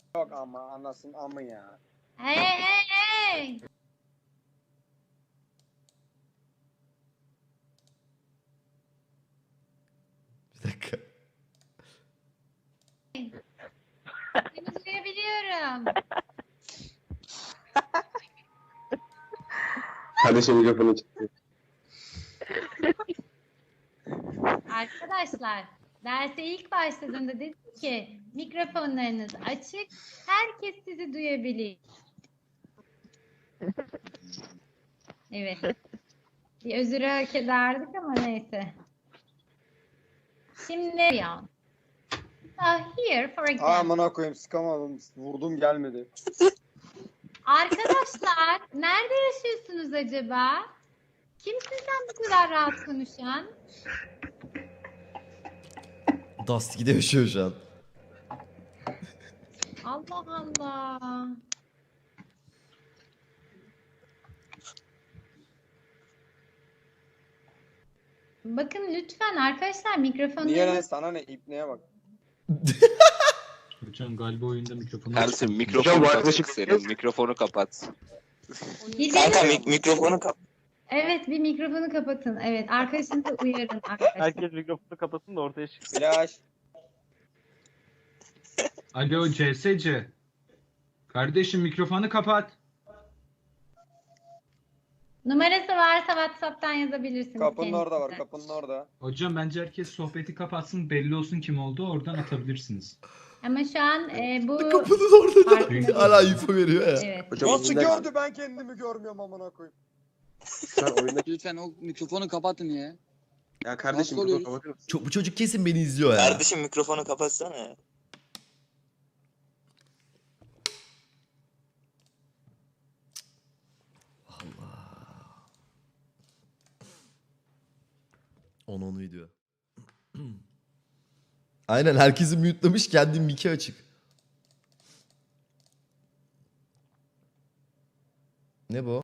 Yok ama anasın amı ya. Hey hey hey. Bir dakika. Seni duyabiliyorum. Kardeşim mikrofonu çıktı. Arkadaşlar derse ilk başladığımda dedim ki mikrofonlarınız açık. Herkes sizi duyabilir. Evet. Bir özürü hak ederdik ama neyse. Şimdi ya. Here for example. Amına koyayım sıkamadım. Vurdum gelmedi. Arkadaşlar nerede yaşıyorsunuz acaba? Kimsin sen bu kadar rahat konuşan? Dusty yaşıyor şu an. Allah Allah. Bakın lütfen arkadaşlar Niye lan mikrofonlarınız sana ne ipneye bak. Hocam galiba oyunda mikrofonu Ersin Hocam, mikrofonu bu açık arkadaşım- senin. Mikrofonu kapat. Kanka mikrofonu kapat. Evet bir mikrofonu kapatın. Evet arkadaşınızı uyarın arkadaşlar. Herkes mikrofonu kapatsın da ortaya çıksın. Flash. Alo CSC. Kardeşim mikrofonu kapat. Numarası varsa WhatsApp'tan yazabilirsiniz. Kapının orada var, kendisine. kapının orada. Hocam bence herkes sohbeti kapatsın, belli olsun kim olduğu, oradan atabilirsiniz. Ama şu an bu Kapının orada Farkında hala değilim. info veriyor ya. evet. Hocam Nasıl oyunda- gördü ben kendimi görmüyorum amına koyayım. Sen oyundaki... Lütfen o mikrofonu kapatın ya. Ya kardeşim Nasıl mikrofonu oluyoruz? kapatır mısın? Çok, bu çocuk kesin beni izliyor ya. Kardeşim mikrofonu kapatsana. Onu video. Aynen herkesi mute'lamış, kendi mic'i açık. Ne bu?